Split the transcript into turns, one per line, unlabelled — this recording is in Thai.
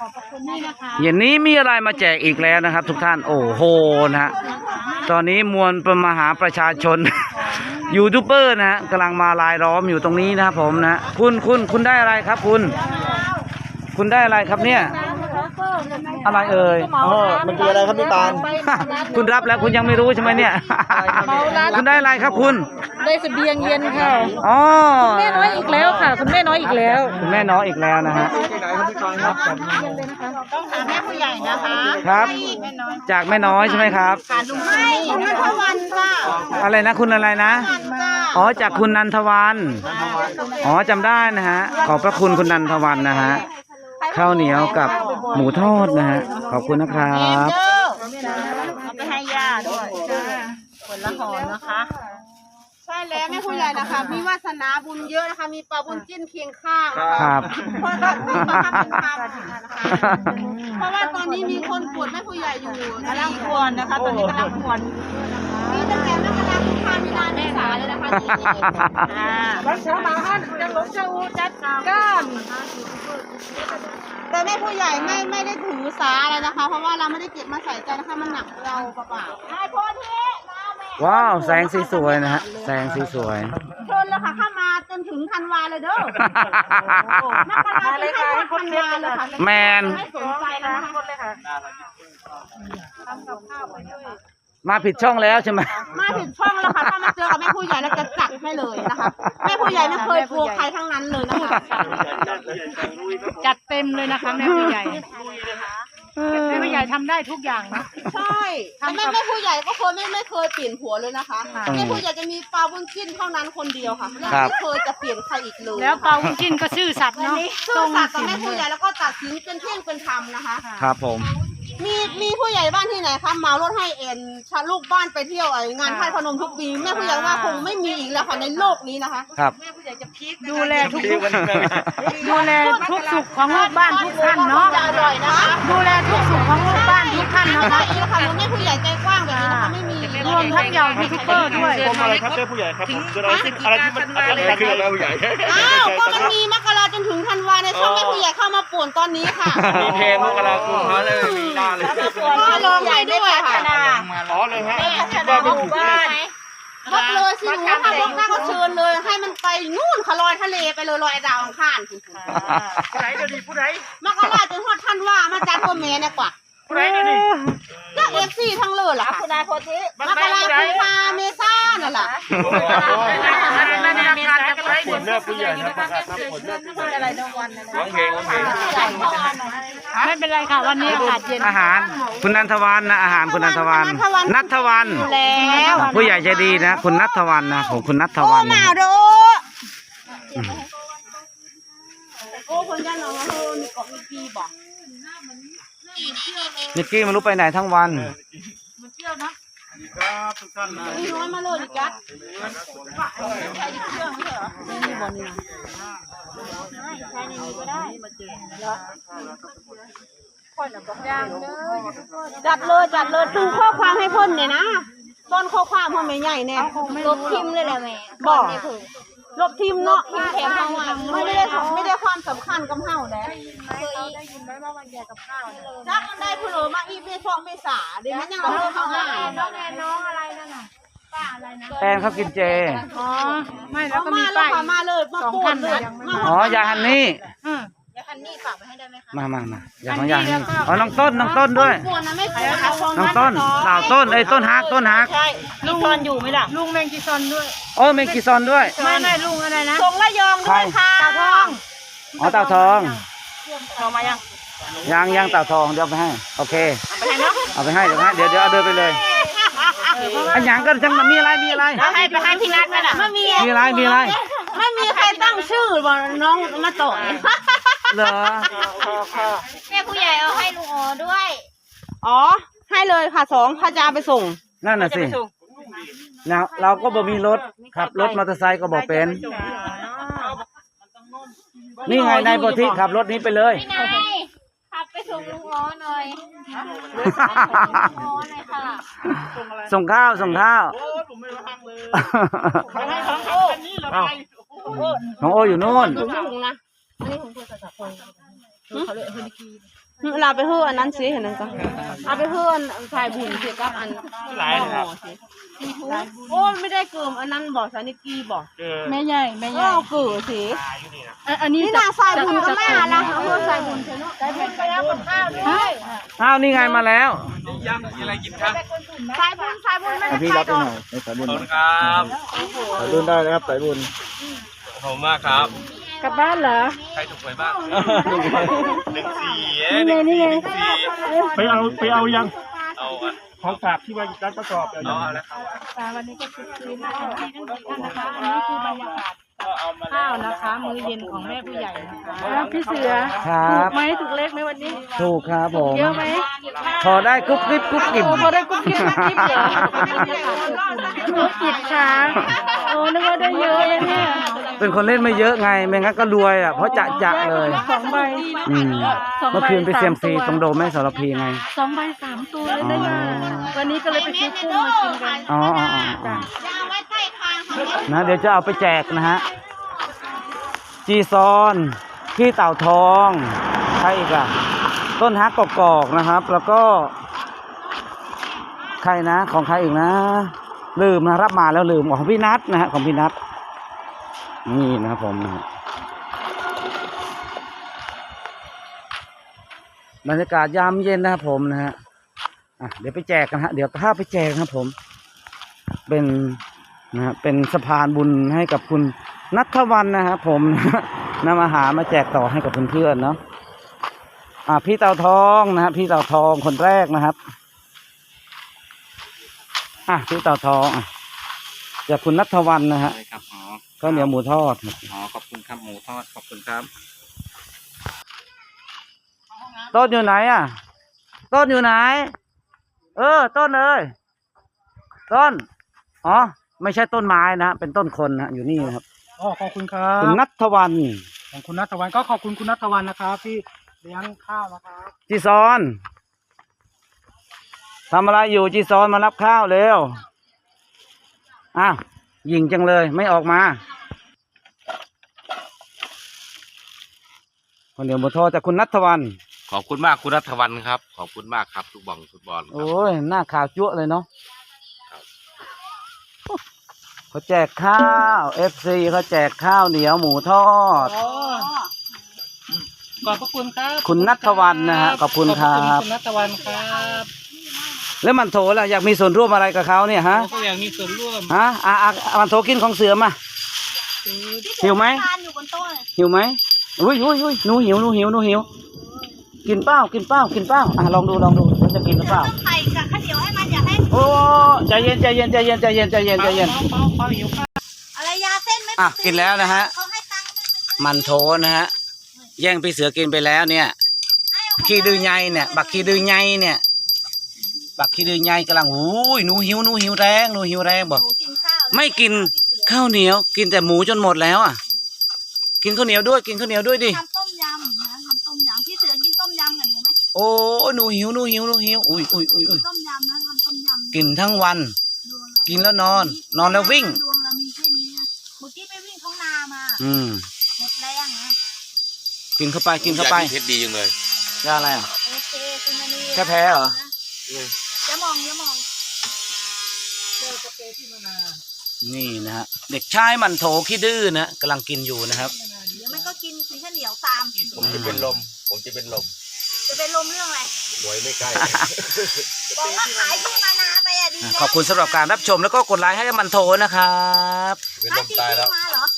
เย็นนี้มีอะไรมาแจกอีกแล้วนะครับ ทุกท่านโอ้โหนะฮะตอนนี้มวลมหาประชาชน ยูทูบเบอร์นะฮะกำลังมารายล้อมอยู่ตรงนี้นะครับผมนะคุณได้อะไรครับคุณได้อะไรครับเนี่ยอะไรเอ่ย
มันคืออะไรครับพี่ปาน
คุณรับแล้วคุณยังไม่รู้ใช่ไหมเนี่ยคุณได้อะไรครับคุณ
ได้เสบียงเย็นค่ะ
อ๋อ
คุณแม่น้อยอีกแล้วค่ะคุณแม่น้อยอีกแล้ว
คุณแม่น้อยอีกแล้วนะฮะ
ที่ไหนครับพี่ปานครับ
ต้องถามแม่ผู้ใหญ่นะคะ
ครับจากแม่น้อยใช่ไหมครับ
ไม่คุณนันทวันจ้า
อะไรนะคุณอะไรนะอ๋อจากคุณนันทวันอ๋อจำได้นะฮะขอบพระคุณคุณนันทวันนะฮะข้าวเหนียวกับหมูทอดนะฮะขอบคุณนะครับ
เอาไปให้ย่าด้วยคนละห่อนะคะ
ใช่แล้วแม่ผู้ใหญ่นะคะมีวาสนาบุญเยอะนะคะมีปลาบุญจิ้นเคียงข้าง
ครับ
เพราะว่าที่มาทำเป็นคำนะคะเพราะว่าตอนนี้มีคนปวดแม่ผู้ใหญ่อยู่
กำลังควรนะคะตอนนี้กำลังควร
มีตั้งแต่มกราคมมีนาเมษาเลยนะคะ
รักษาบาฮันจะหลงเจ้าจัดก้าน
แต่แม่ผู้ใหญ่ไม่ได้ถือสาอะไรนะคะเพราะว่าเราไม่ได้เก็บมาใส่ใจนะคะมันหนักเราเปล่าๆให้พ่อที่
ว้าวแสงสีสวยนะฮะแสงสีสวย
เชิญเลยค่ะเข้ามาจนถึงธันวาเลยเด้อมกราเลยค่ะธันวาเลยค่ะ
แมน
ไม่สนใจนะคะ
มาผิดช่องแล้วใช่ไหม
มาผิดช่องแล้วค่ะถ้ามาเจอกับแม่ผู้ใหญ่แล้วจะจัดให้เลยนะคะแม่ผู้ใหญ่ไม่เคยกลัวใครทั้งนั้นเลยนะคะ
จัดเต็มเลยนะคะแม่ผู้ใหญ่แม่ผู้ใหญ่ทำได้ทุกอย่างนะ
ใช่แต่แม่ผู้ใหญ่ก็เคยไม่เคยเปลี่ยนผัวเลยนะคะแม่ผู้ใหญ่จะมีปลาบุญจิ้นเท่านั้นคนเดียวค่ะไม่เคยจะเปลี่ยนใครอีกเลย
แล้วปลาบุญจิ้นก็ซื่อสัตย์เนาะ
ซื่อสัตย์กับแม่ผู้ใหญ่แล้วก็ตัดสินเป็นเที่ยงเป็นธรรมนะคะ
ครับผม
มีผู้ใหญ่บ้านที่ไหนคะเหมารถให้ชาลูกบ้านไปเที่ยวงานไทยพนมทุกปีแม่ผู้ใหญ่ว่าคงไม่มีอีกแล้วค่ะในโลกนี้นะคะ
ครับ
แม่ผู้ใหญ่จะพีค
ดูแลทุกสุขของลูกบ้านทุกท่านเนาะ
อร่อยนะคะ
ดูแลทุกสุขของลูกบ้านทุกท่านนะคะ
นี่ค่ะแม่ผู้ใหญ่ใจกว้างแบบนี้นะคะไม่มี
รวมทั้งเหล่ายูทูบเบอร์ด้วย
ผมอะไรครับแม่ผู้ใหญ่ครับอะไรที่มันอะไรคือแม่ผู้ใหญ่
อ้าวก็มันมีมกราจนถึงธันวาในช่องแม่ผู้ใหญ่เข้ามาป่วนตอนนี้ค่ะ
มีเพลงมกราคมเขาเลยมีหน้าเลย
ก็ร้องให้ด้วยค่ะ
อ๋อเลยฮะ
ว่าเป็นหมู่บ้านบกเลยสิหนูถ้าบกได้ก็เชิญเลยให้มันไปนู่นค่ะลอยทะเลไปเลยลอยดาวอังคาร
ผู้ใดจะดีผู้ใด
มกราจนฮอดท่านว่ามาจัดตัวแม่เนี่ยกว่า
ผู้ใดจะดี
ก็FCทั้งเลยล่ะคุณนายโพธิมกราคุมภาเมษานั่นแหละ
ผลเลือกผู้ใหญ่นะประกาศผลเลือกผู้ใหญ่ร้องเพลง
ไม่เป็นไรค่ะวันนี้อากาศเย็น
อาหารคุณนันทวันนะอาหารคุณนันทวันนัทวัน
แล้ว
ผู้ใหญ่ใจดีนะคุณนัทวันนะของคุณนัทวัน
มาโดโอ้คนยันน้องมีเกาะมีปีบอก
นิกกี้ไม่รู้ไปไหนทั้งวัน
มันเที่ยวนะครับ
ทุกท่านนะ
น้อยมาเลยดิจ๊ะใช้เครื่องไม่ใช่เหรอมีบอลนี่ใช้ในนี้ก็ได้จัดเลยดูข้อความให้พ่นเนี่ยนะต้นข้อความพ่อไม่ใหญ่แน่
ลบทิมเลยแหละแม่
บอกลบทิมเนาะทิมแถมเฮาไม่ได้ความสำคัญกับเฮาแล้ว
ได้ยินไหมว่าวันแย่กับข้าว
จักมันได้ผู้เหลือมาอีเมช่องเมษาเดี๋ยวมันยังเราเข้าง่าย
น้องอะไรนั่นน่ะป้าอะไรนะ
แฟนเขากินเจ
อ๋อไม่แล้วก็มีป้าย
มาเลยมาพูดเลย
อ๋อยาฮันนี่
ยาฮันนี่ฝากไปให้ได้ไหมคะ
มาอยากของยาฮันนี่อ๋อน้องต้นด้วยน้องต้นสาวต้นต้นฮัก
ใช่ลุงซอนอยู่ไหมล่ะ
ลุงแมงกีซอนด้วย
โอ้แมงกีซอนด้วย
ไม่ลุงอะไรนะ
ทรงระยองด้วยค่ะ
เต่าทอง
อ๋อเต่าทอง
มายัง
เต่าทองเดี๋ยวไปให้โอเคเอาไปให้เดี๋ยวเอาเดินไปเลยอันยังก็จังมีอะไร
ไปให้พี่นัทนั่นแหละไม่มี
อะไร
ไม่มีใครตั้งชื่อบอกน้องมาต่อย
เหรอ
แม่ผู้ใหญ่เอาให้ลุงอ๋อด้วยอ๋อให้เลยค่ะ2พระจาไปส่ง
นั่นน่ะสิเราก็บ่มีรถขับรถมอเตอร์ไซค์ก็บ่เป็นนี่ไงนายโพธิขับรถนี้ไปเลย
ขับไปส่งลุงอ๋อหน่อย
ส่งข้าว
โอ้ผมไม่รังเลย
ของโออยู่นู่น
นะอันนี้ของคุณสัตว์พงเราไปเฮืออันนั้นสิเห็นนั่นก็เอาไปเฮือสายบุญเกี่ยวกับอัน
หลายนะครับ
โอ้ไม่ได้เกิมอันนั้นบอกสานิกีบอก
แม่ใหญ่แม่ใหญ่
ก็เกิดสิ
อันนี้
นี่นาสายบุญก็แม่ละเฮือสายบุญเถอะเนาะสายบุญไปแล้วกับข้าวด้วย
อ้าวนี่ไงมาแล้ว
ย่ำมีอะไรกินครับ
สายบุญไม่ได้
พี่
ไป
รับ
ด
ไป
อก
หน่อยในสายบุญ
ขอบคุณครับ
สายบุญได้นะครับสายบุญ
ขอบคุณมากครับ
กลับบ้านเหรอ
ใครถูกหวยบ้าง14
นี่ไง
ไปเอายัง
เอาอะ
ของฝากที่ว่าร้านประกอบ
เอาแล้วครับ
วันนี้ก็คือนะคะทั้ง4ท่านนะคะอันนี้คือบรรยากาศข้าวนะคะ มื้อเย็นของแม่ผู้ใหญ่นะคะพี่เสือ
ครับ
ถูกไหมถูกเลขไหมวันนี้
ถูกครับผม
เยอะไหม
พอได้กุ๊บกิ๊บกุ๊บกิ๊บ
โอ้พอได้กุ๊บกิ๊บกุ๊บกิ๊บเหรอกุ๊บกิ๊บช้างโอ้นึกว่าได้เยอะเลยเนี่ย
เป็นคนเล่นไม่เยอะไงไม่งั้นก็รวยอ่ะเพราะจะเลย
2 ใบ
อืมเมื่อคืนไปเซียมซีตรงโดมแม่สารพีไง
2 ใบ 3 ตัวเลยได้มาวันนี้ก็เลยไปซื้อกุ้งมากินกัน
อ๋ออ๋ออ๋อ
จ้ะ
ยาไว้ใต้คางเขา
นะเดี๋ยวจะเอาไปแจกนะฮะจีซอนพี่เต่าทองใครอีกอ่ะต้นฮักกอกๆนะครับ แล้วก็ ใครนะของใครอีกนะลืมนะรับมาแล้วลืมของพี่นัทนะฮะของพี่นัทนี่นะครับผมนะฮะบรรยากาศยามเย็นนะครับผมนะฮะเดี๋ยวไปแจกกันฮะเดี๋ยวพาไปแจกนะครับผมเป็นนะฮะเป็นสะพานบุญให้กับคุณนัทวันนะครับผม นำอาหารมาแจกต่อให้กับเพื่อนๆเนาะพี่เต่าทองนะฮะพี่เต่าทองคนแรกนะครับพี่เต่าทองจากคุณนัทวันนะฮะ
ใช่ครับอ๋อ
ข้าวเหนียวหมูทอด
อ๋อขอบคุณครับหมูทอดขอบคุณครับ
ต้นอยู่ไหนอ่ะต้นอยู่ไหนต้นเอ้ยต้นอ๋อไม่ใช่ต้นไม้นะเป็นต้นคนนะอยู่นี่นะครับ
อ๋อขอบคุณครับ
คุณนัทวัน
ของคุณนัทวันก็ขอบคุณคุณนัทวันนะครับที่เลี้ยงข้าวนะครับ
จีซอนทำอะไรอยู่จีซอนมารับข้าวเร็วยิงจังเลยไม่ออกมาคนเดียวหมูทอดจากคุณนัทวัน
ขอบคุณมากคุณรัฐวันครับ ขอบคุณมากครับทุกบังฟุตบอลครับ
โอ้ยหน้าขาวจั่วเลยเนาะเขาแจกข้าว FC เขาแจกข้าวเหนียวหมูทอด
ขอบพระคุณครับ
คุณนัทวันนะฮะขอบคุณครับ
คุณนัทวันครับ
แล้วมันโถล่ะอยากมีส่วนร่วมอะไรกับเขาเนี่ยฮะ
ก็อยากมีส่วนร่วม
ฮะมันโถกินของเสือมาหิวไหม
ทานอยู่บนโต๊ะเลย
หิวไหมอุ้ยหนูหิวกินเปล่าลองดูว่าจะกินหรือเปล่า
ไข่กับข้าวเหนียวให้มันอย่าให้
โอ้ใจเย็น
อะไรยาเส้นไม่
กินแล้วนะฮะ
เขาให้ตังค์
มันโถนะฮะแย่งพี่เสือกินไปแล้วเนี่ยขี้ดื้อไงเนี่ยบักขี้ดื้อไงเนี่ยบักขี้ดื้อไงกำลังหนูหิวแรงบอก
กินข้าว
ไม่กินข้าวเหนียวกินแต่หมูจนหมดแล้วกินข้าวเหนียวด้วยดิ
ทำต้มยำนะทำต้มยำพี่เสือกินต้มยำกับหนูไหม
โอ้หนูหิวอุ้ย
ต้มยำนะทำต้มยำ
กินทั้งวัน
ดวงเรา
กินแล้วนอนแล้ววิ่ง
ดวงเรามีแค่นี้นะเมื่อกี้ไปวิ่งท้องนามา หมดแรงนะ
กินเข้าไป
เพชรดีจังเลย
ยาอะไรอ่ะ
โอเคคุณมณี
แค่แพ้เหรอ
อย่ามอง
นี่นะฮะเด็กชายมันโถขี้ดื้อนะกำลังกินอยู่นะครับ
เดี๋ยวมันก็กินข้าวเหนียวตาม
ผมจะเป็นลม
จะเป็นลมเรื่องอะไร
หวยไม่ใกล้
บอกว่าขายที่มานาไปอ่ะดี
ขอบคุณสำหรับการรับชมแล้วก็กดไลค์ให้มันโถนะครับ
เป็น
ถ้า
ลม
ที่
ตายแล้ว
มาเหรอ